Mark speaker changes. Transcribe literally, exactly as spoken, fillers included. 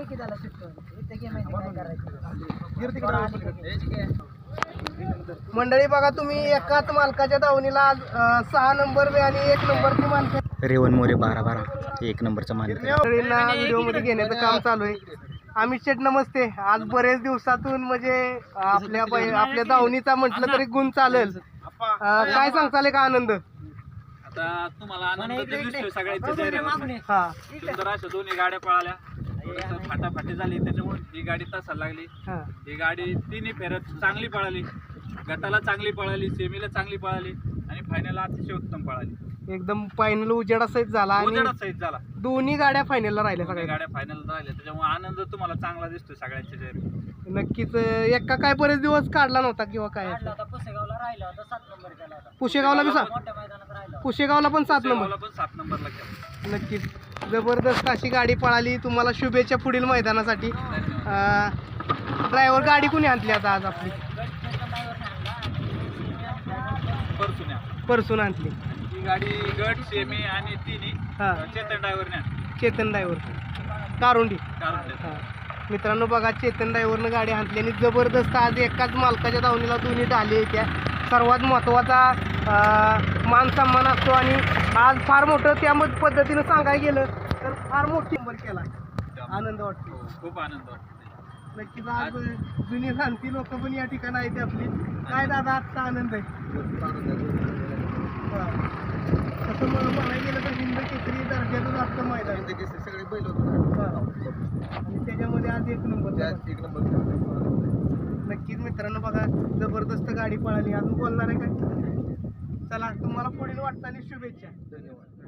Speaker 1: की त्याला सुट्टी इथे गेम काय करायचं। मंडळी बघा तुम्ही एकाच मालकाच्या दावणीला आज अं, सहा नंबर वे आणि एक नंबरची मालक
Speaker 2: रेवन मोरे बारा बारा एक नंबरचा मालिक
Speaker 1: व्हिडिओ मध्ये घेण्याचं काम चालू आहे। अमित शेठ नमस्ते। आज बरेच दिवसातून म्हणजे आपल्या बै- आपल्या दावणीचा म्हटलं तरी गुण चालेल, अं, काय सांगताल का आनंद?
Speaker 3: आता तुम्हाला आनंद तर दिसतोय सगळ्यांच्या चेहऱ्यावर.
Speaker 1: हा
Speaker 3: सुंदर अशा दोन्ही गाड्या पळाल्या, थोडंसं फाटाफाटी झाली त्याच्यामुळे ही गाडी तासाला लागली.
Speaker 1: हा
Speaker 3: ही गाडी तिन्ही फेऱ्यात चांगली पळाली, गटाला चांगली पळाली, सेमीला चांगली पळाली आणि फायनलला अतिशय उत्तम पळाली.
Speaker 1: एकदम फायनल उजेडा सहित झाला आणि
Speaker 3: उजेडात सहित झाला.
Speaker 1: दोन्ही गाड्या फायनलला राहिल्या
Speaker 3: दोन्ही
Speaker 1: सगळ्या।
Speaker 3: गाड्या फायनल राहिल्या त्याच्यामुळे आनंद तुम्हाला चांगला दिसतोय सगळ्यांच्या चेहऱ्यावर.
Speaker 1: नक्कीच एका काय बरेच दिवस काढला नव्हता किंवा काय
Speaker 4: पुसेगावला राहिला होता, सात नंबर केला होता,
Speaker 1: पुशेगावला बी सात
Speaker 4: मोठ्या मैदानात राहिला.
Speaker 1: पुशेगावला पण सात नंबर।
Speaker 3: सेवाला पण सात नंबरला केला.
Speaker 1: नक्कीच जबरदस्त अशी गाडी पळाली। तुम्हाला शुभेच्छा पुढील मैदानासाठी। ड्रायव्हर गाडी कुणी आणली आता आज आपली?
Speaker 3: परतून या.
Speaker 1: परसून आणली
Speaker 3: ही गाडी गट सेमी आणि तिन्ही
Speaker 1: हा
Speaker 3: चेतन ड्रायव्हरने
Speaker 1: चेतन ड्रायव्हर कारुंडी।
Speaker 3: कारण
Speaker 1: हा मित्रांनो बघा चेतन ड्रायव्हरनं गाडी आणली आणि जबरदस्त आज एकाच मालकाच्या दावणीला दोन्ही ढाली त्या सर्वात महत्त्वाचा अं, मान सन्मान असतो आणि आज फार मोठं त्या मत पद्धतीनं सांगायला गेलं तर फार मोठी नंबर केला। आनंद वाटतो,
Speaker 3: खूप आनंद वाटतो.
Speaker 1: नक्कीच आज जुनी सांगती लोक पण या ठिकाणी आहेत आपली। काय दादा आजचा आनंद आहे? हा. तसं मला म्हणायला गेलं तर हिंद केसरी दर्जाचं जास्त मैदान
Speaker 5: सगळे बैल होते
Speaker 1: हा. आणि त्याच्यामध्ये आज एक नंबर
Speaker 5: एक नंबर.
Speaker 1: नक्कीच मित्रांनो बघा जबरदस्त गाडी पळाली। अजून बोलणार आहे काय? चला तुम्हाला पुढील वाटचाली शुभेच्छा।
Speaker 5: धन्यवाद.